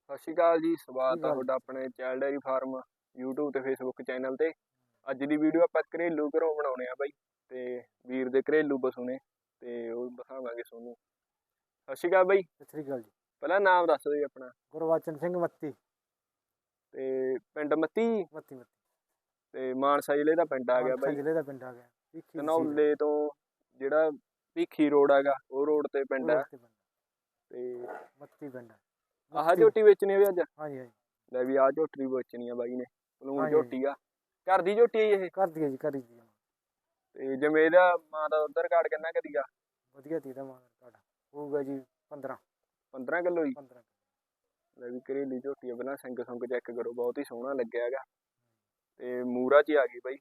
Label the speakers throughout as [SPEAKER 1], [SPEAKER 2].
[SPEAKER 1] ਸਤਿ ਸ਼੍ਰੀ ਅਕਾਲ ਜੀ। ਸਵਾਗਤ
[SPEAKER 2] ਠੀਕ
[SPEAKER 1] ਆ
[SPEAKER 2] ਆ
[SPEAKER 1] ਤੁਹਾਡਾ ਆਪਣੇ ਚਾਈਲਡ ਡੈਰੀ ਫਾਰਮ YouTube ਤੇ Facebook ਚੈਨਲ ਤੇ। ਅੱਜ ਦੀ ਵੀਡੀਓ ਆਪਾਂ ਘਰੇਲੂ ਘਰੋਂ ਬਣਾਉਣੇ ਆ ਬਾਈ, ਤੇ ਵੀਰ ਦੇ ਘਰੇਲੂ ਪਸ਼ੂ ਨੇ ਤੇ ਉਹ ਦਿਖਾਵਾਂਗੇ ਤੁਹਾਨੂੰ। ਸਤਿ ਸ਼੍ਰੀ ਅਕਾਲ ਬਾਈ।
[SPEAKER 2] ਸਤਿ ਸ੍ਰੀ ਅਕਾਲ ਜੀ।
[SPEAKER 1] ਪਹਿਲਾਂ ਨਾਮ ਦੱਸ ਦਿਓ ਜੀ ਆਪਣਾ।
[SPEAKER 2] ਗੁਰਬਚਨ ਸਿੰਘ ਮੱਤੀ।
[SPEAKER 1] ਤੇ ਪਿੰਡ ਮੱਤੀ
[SPEAKER 2] ਮੱਤੀ ਮੱਤੀ
[SPEAKER 1] ਤੇ ਮਾਨਸਾ ਜ਼ਿਲ੍ਹੇ ਦਾ ਪਿੰਡ ਆ ਗਿਆ
[SPEAKER 2] ਮਾਨਸਾ
[SPEAKER 1] ਬਾਈ।
[SPEAKER 2] ਜ਼ਿਲ੍ਹੇ ਦਾ ਪਿੰਡ ਆ ਗਿਆ।
[SPEAKER 1] ਧਨੌਲੇ ਤੋਂ ਜਿਹੜਾ ਭੀਖੀ ਰੋਡ ਹੈਗਾ ਉਹ ਰੋਡ ਤੇ ਪਿੰਡ ਆ। ਤੇ
[SPEAKER 2] ਮੱਤੀ ਪਿੰਡ
[SPEAKER 1] ਆਹ ਝੋਟੀ ਵੇਚਣੀ ਵੀ ਅੱਜ?
[SPEAKER 2] ਹਾਂਜੀ ਹਾਂਜੀ।
[SPEAKER 1] ਲੈ ਵੀ ਆਹ ਝੋਟੀ ਵੇਚਣੀ ਆ ਬਾਈ ਨੇ। ਪਲੂਣ
[SPEAKER 2] ਹਾਂਜੀ
[SPEAKER 1] ਝੋਟੀ ਆ, ਘਰ ਦੀ ਝੋਟੀ ਆ ਇਹ?
[SPEAKER 2] ਘਰ ਦੀ ਹੈ ਜੀ, ਘਰ ਦੀ।
[SPEAKER 1] ਤੇ ਜਿਵੇਂ ਇਹਦਾ ਮਾਂ ਦਾ ਦੁੱਧ ਰਿਕਾਰਡ ਕਿੰਨਾ ਕੁ ਦੀਗਾ?
[SPEAKER 2] ਵਧੀਆ ਤੀ ਦਾ ਮਾਂ ਤੁਹਾਡਾ ਹੋਊਗਾ ਜੀ 15
[SPEAKER 1] ਕਿਲੋ ਜੀ।
[SPEAKER 2] 15
[SPEAKER 1] ਲੈ ਵੀ ਘਰੇਲੀ ਝੋਟੀ ਆ। ਪਹਿਲਾਂ ਸਿੰਗ ਸੁੰਗ ਚੈੱਕ ਕਰੋ, ਬਹੁਤ ਹੀ ਸੋਹਣਾ ਲੱਗਿਆ ਹੈਗਾ ਤੇ ਮੂਰਾ 'ਚ ਆ ਗਈ ਬਾਈ।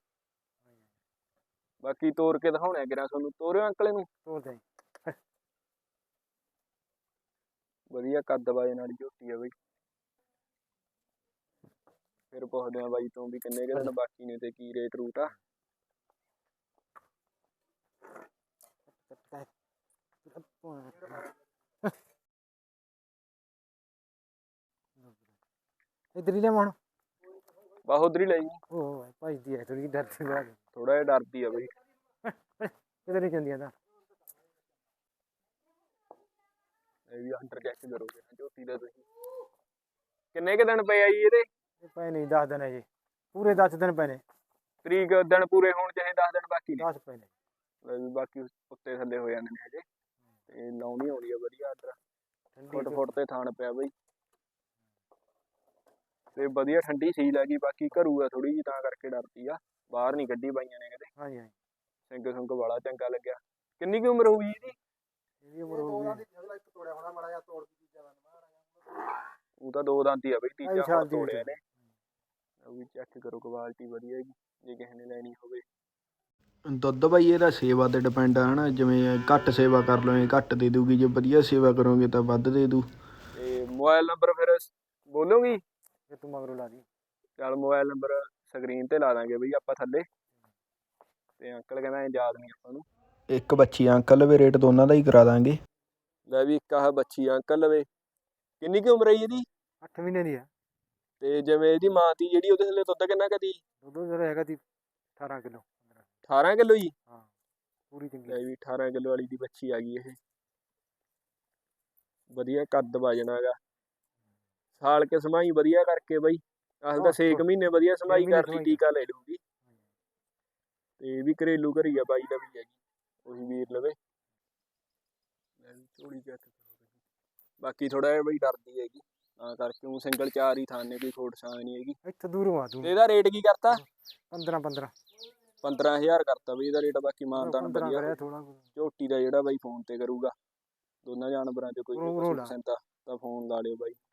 [SPEAKER 1] ਬਾਕੀ ਤੋਰ ਕੇ ਦਿਖਾਉਣੇ ਆ ਕਿਰਾ ਤੁਹਾਨੂੰ। ਤੋਰਿਓ ਅੰਕਲ ਇਹਨੂੰ।
[SPEAKER 2] ਤੋਰਦੇ
[SPEAKER 1] ਵਧੀਆ ਕੱਦ ਵਜਨ ਵਾਲੀ ਝੋਟੀ ਆ ਬਾਈ। ਫਿਰ ਪੁੱਛਦੇ ਆ ਬਾਈ ਤੋਂ ਵੀ ਕਿੰਨੇ ਕੁ ਦਿਨ ਬਾਕੀ ਨੇ ਤੇ ਕੀ ਰੇਟ ਰੂਟ ਆ।
[SPEAKER 2] ਇਧਰ ਹੀ ਲੈ ਮਣ
[SPEAKER 1] ਬਸ ਉਧਰ ਹੀ ਲੈ ਜੀ।
[SPEAKER 2] ਉਹ ਭਜਦੀ ਹੈ ਥੋੜੀ ਡਰਦੀ ਲੱਗ।
[SPEAKER 1] ਥੋੜਾ ਜਿਹਾ ਡਰਦੀ ਆ ਬਾਈ।
[SPEAKER 2] ਕਿਧਰ ਨਹੀਂ ਜਾਂਦੀਆਂ ਤਾਂ
[SPEAKER 1] ਇਹ ਵੀ ਅੰਡਰ ਚੈੱਕ ਕਰੋਗੇ ਝੋਟੀ ਦਾ ਤੁਸੀਂ। ਕਿੰਨੇ ਕੁ ਦਿਨ ਪਏ ਆ ਜੀ ਇਹਦੇ?
[SPEAKER 2] ਪਏ ਨਹੀਂ 10 ਦਿਨ ਹੈ ਜੀ, ਪੂਰੇ 10 ਦਿਨ ਪਏ ਨੇ।
[SPEAKER 1] ਤਰੀਕ ਦਿਨ ਪੂਰੇ ਹੋਣ ਚਾਹੇ 10 ਦਿਨ ਬਾਕੀ ਨੇ।
[SPEAKER 2] 10 ਪਏ ਨੇ।
[SPEAKER 1] ਲੈ ਵੀ ਬਾਕੀ ਉੱਤੇ ਥੱਲੇ ਹੋ ਜਾਂਦੇ ਨੇ ਹਜੇ। ਤੇ ਲਾਉਣੀ ਆਉਂਦੀ ਆ ਵਧੀਆ ਆਰਡਰ। ਫੁੱਟ ਤੇ ਥਾਣ ਪਿਆ ਬਈ ਤੇ ਵਧੀਆ ਠੰਡੀ ਸੀਲ ਹੈਗੀ। ਬਾਕੀ ਘਰੂ ਆ ਥੋੜੀ ਜਿਹੀ ਤਾਂ ਕਰਕੇ ਡਰਦੀ ਆ। ਬਾਹਰ ਨਹੀਂ ਕੱਢੀ ਬਾਈਆਂ ਨੇ ਕਿਤੇ।
[SPEAKER 2] ਹਾਂਜੀ ਹਾਂਜੀ।
[SPEAKER 1] ਸਿੰਗ ਸੁੰਗ ਵਾਲਾ ਚੰਗਾ ਲੱਗਿਆ। ਕਿੰਨੀ ਕੁ ਉਮਰ ਹੋਊਗੀ ਇਹਦੀ?
[SPEAKER 2] ਇਹਦੀ ਉਮਰ ਹੋਊਗੀ
[SPEAKER 1] ਉਹ ਤਾਂ 2 ਦੰਦ ਹੀ ਆ ਬਈ, ਤੀਜਾ ਹੁਣ ਤੋੜਿਆ ਨੇ। ਉਹ ਵੀ ਚੈੱਕ ਕਰੋ, ਕੁਆਲਿਟੀ ਵਧੀਆ ਹੈਗੀ ਜੇ ਕਿਸੇ ਨੇ ਲੈਣੀ ਹੋਵੇ। ਦੁੱਧ ਬਾਈ ਇਹਦਾ ਸੇਵਾ ਤੇ ਡਿਪੈਂਡ ਆ ਹਨਾ। ਜਿਵੇਂ ਘੱਟ ਸੇਵਾ ਕਰ ਲਓਗੇ ਘੱਟ ਦੇ ਦੂਗੀ, ਜੇ ਵਧੀਆ ਸੇਵਾ ਕਰੋਗੇ ਤਾਂ ਵੱਧ ਦੇ ਦੂ। ਤੇ ਮੋਬਾਈਲ ਨੰਬਰ ਫਿਰ ਬੋਲੋਗੀ?
[SPEAKER 2] ਫਿਰ ਤੂੰ ਮਗਰੋਂ ਲਾ ਦੀ।
[SPEAKER 1] ਚੱਲ ਮੋਬਾਈਲ ਨੰਬਰ ਸਕਰੀਨ ਤੇ ਲਾ ਦਾਂਗੇ ਬਈ ਆਪਾਂ ਥੱਲੇ। ਤੇ ਅੰਕਲ ਕਹਿੰਦਾ ਯਾਦ ਨਹੀਂ ਆਪਾਂ ਨੂੰ। ਇੱਕ ਬੱਚੀ ਅੰਕਲ ਲਵੇ, ਰੇਟ ਦੋਨਾਂ ਦਾ ਹੀ ਕਰਾ ਦਾਂਗੇ। ਲੈ ਵੀ ਇੱਕ ਆਹ ਬੱਚੀ ਅੰਕਲ ਲਵੇ। ਕਿੰਨੀ ਕੁ ਉਮਰ ਹੈ ਇਹਦੀ?
[SPEAKER 2] 8 ਮਹੀਨੇ ਦੀ ਆ।
[SPEAKER 1] ਤੇ ਜਿਵੇਂ ਇਹਦੀ ਮਾਂ ਤੀ ਜਿਹੜੀ, ਉਹਦੇ ਥੱਲੇ ਦੁੱਧ ਕਿੰਨਾ ਕੁ ਦੀ?
[SPEAKER 2] ਦੁੱਧ ਜਿਹੜਾ ਹੈਗਾ ਤੀ 18 ਕਿਲੋ।
[SPEAKER 1] 18 ਕਿਲੋ ਜੀ?
[SPEAKER 2] ਹਾਂ ਪੂਰੀ ਚੰਗੀ।
[SPEAKER 1] ਲੈ ਵੀ 18 ਕਿਲੋ ਵਾਲੀ ਦੀ ਬੱਚੀ ਆ ਗਈ ਇਹ। ਵਧੀਆ ਕੱਦ ਵਜਨ ਹੈਗਾ। ਸਾਲ ਕੇ ਸਮਾਈ ਵਧੀਆ ਕਰਕੇ ਬਾਈ। ਆਹ ਤਾਂ 6 ਮਹੀਨੇ ਵਧੀਆ ਸਮਾਈ ਕਰ ਲਈ, ਟੀਕਾ ਲੈ ਲੂਗੀ। ਤੇ ਵੀ ਘਰੇਲੂ ਘਰੀ ਆ ਬਾਈ ਦਾ ਵੀ ਹੈਗੀ, ਉਹੀ ਵੀਰ ਲਵੇ। ਝੋਲੀ ਚੈੱਕ ਕਰੋ। ਬਾਕੀ ਥੋੜਾ ਜਿਹਾ ਬਈ ਡਰਦੀ ਹੈਗੀ ਤਾਂ ਕਰਕੇ। ਉਹ ਸਿੰਗਲ 4 ਹੀ ਥਾਂ ਨੇ, ਕੋਈ ਖੋਟ ਛਾਂ ਨਹੀਂ ਹੈਗੀ।
[SPEAKER 2] ਇੱਥੇ ਦੂਰੋਂ ਆ ਤੂੰ।
[SPEAKER 1] ਇਹਦਾ ਰੇਟ ਕੀ ਕਰਤਾ?
[SPEAKER 2] 15
[SPEAKER 1] ਕਰਤਾ ਬਈ ਇਹਦਾ ਰੇਟ। ਬਾਕੀ ਮਾਨਤਾਨ ਵਧੀਆ।
[SPEAKER 2] ਥੋੜਾ
[SPEAKER 1] ਝੋਟੀ ਦਾ ਜਿਹੜਾ ਬਾਈ ਫੋਨ ਤੇ ਕਰੂਗਾ। ਦੋਨਾਂ ਜਾਨਵਰਾਂ 'ਚ ਕੋਈ ਪਸੰਦ ਆ ਤਾਂ ਫੋਨ ਲਾ ਲਿਓ ਬਾਈ।